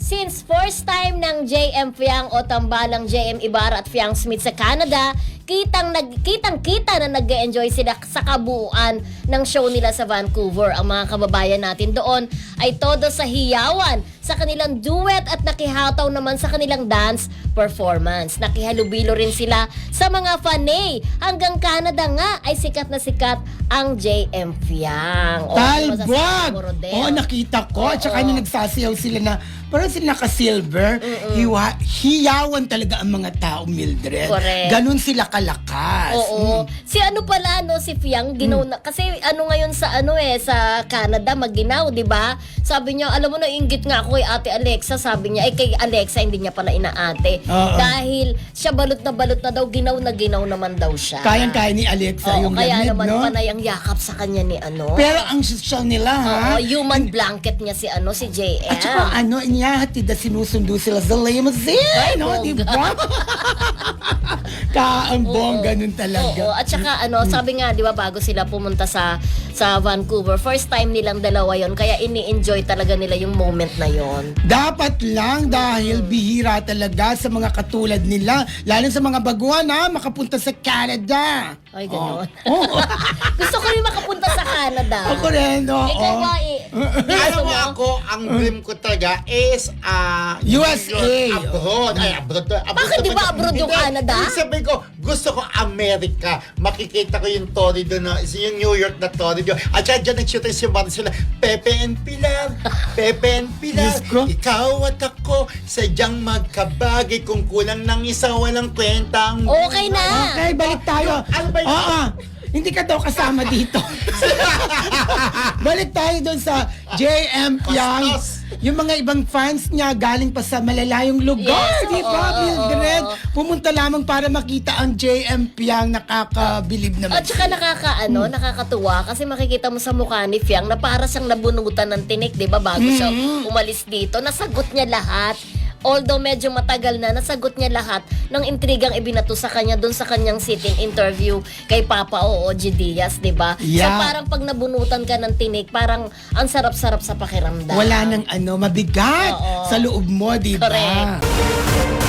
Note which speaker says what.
Speaker 1: Since first time ng JM Fiang o tambalang JM Ibarra at Fiang Smith sa Canada, kitang-kita na nag-enjoy sila sa kabuuan ng show nila sa Vancouver. Ang mga kababayan natin doon ay todo sa hiyawan sa kanilang duet at nakihataw naman sa kanilang dance performance. Nakihalubilo rin sila sa mga fanay. Hanggang Canada nga ay sikat na sikat ang JM Fiang.
Speaker 2: Talbot! Oo, nakita ko. At saka nung nagsasayaw sila na parang sila naka-silver, hiyawan talaga ang mga tao, Mildred.
Speaker 1: Correct.
Speaker 2: Ganon sila kalakas.
Speaker 1: Oo. Si ano pala, no, si Fiang, ginaw na, kasi ano ngayon sa sa Canada, maginaw, di ba? Sabi niya, alam mo na, inggit nga ako kay Ate Alexa, sabi niya, kay Alexa, hindi niya pala inaate. Dahil siya balot na daw, ginaw naman daw siya.
Speaker 2: Kayang-kaya ni Alexa yung
Speaker 1: kaya
Speaker 2: lamig,
Speaker 1: naman
Speaker 2: no?
Speaker 1: panay ang yakap sa kanya ni ano.
Speaker 2: Pero ang show nila, ha?
Speaker 1: Human blanket niya si si JM.
Speaker 2: At saka inihahatid na sinusundo sila sa limousine, no? Di ba? Kaambong, ganun talaga.
Speaker 1: Oo, at saka sabi nga, di ba, bago sila pumunta sa Vancouver, first time nilang dalawa yon, kaya ini-enjoy talaga nila yung moment na yon.
Speaker 2: Dapat lang dahil bihira talaga sa mga katulad nila, lalo sa mga baguhan makapunta sa Canada.
Speaker 1: Ay, gano'n.
Speaker 2: Oh.
Speaker 1: Gusto ko rin makapunta sa Canada.
Speaker 2: Ako rin, oo.
Speaker 1: Ikaw ba,
Speaker 3: Alam mo ako, ang dream ko talaga is
Speaker 2: USA.
Speaker 3: Abroad. Ay, abroad.
Speaker 1: Bakit di ba abroad yung Canada?
Speaker 3: Sabi ko, gusto ko America. Makikita ko yung Torrid doon, yung New York na Torrid. At dyan nag-shooting si Marcela, Pepe and Pilar, Pepe and Pilar,
Speaker 2: Yes, ko.
Speaker 3: ikaw at ako, sadyang magkabagay, kung kulang ng isa, walang kwenta ang
Speaker 1: Okay na.
Speaker 2: Okay, balik tayo.
Speaker 3: Ano ba yun?
Speaker 2: Oo. Hindi ka daw kasama dito. Balik tayo doon sa JM Fiang.
Speaker 3: Bastos.
Speaker 2: Yung mga ibang fans niya galing pa sa malalayong lugar,
Speaker 1: Yes,
Speaker 2: di ba,
Speaker 1: oo,
Speaker 2: Mildred? Pumunta lamang para makita ang JM Fiang, nakakabilib naman.
Speaker 1: At saka nakakatuwa kasi makikita mo sa mukha ni Fiang na para siyang nabunutan ng tinik, di ba, bago siya umalis dito. Nasagot niya lahat. Although medyo matagal na, nasagot niya lahat ng intrigang ibinato sa kanya doon sa kanyang sitting interview kay Papa G. Diaz, di ba?
Speaker 2: Yeah.
Speaker 1: So parang pag nabunutan ka ng tinik, parang ang sarap-sarap sa pakiramdam.
Speaker 2: Wala nang mabigat
Speaker 1: Oo.
Speaker 2: sa loob mo, di ba?
Speaker 1: Correct.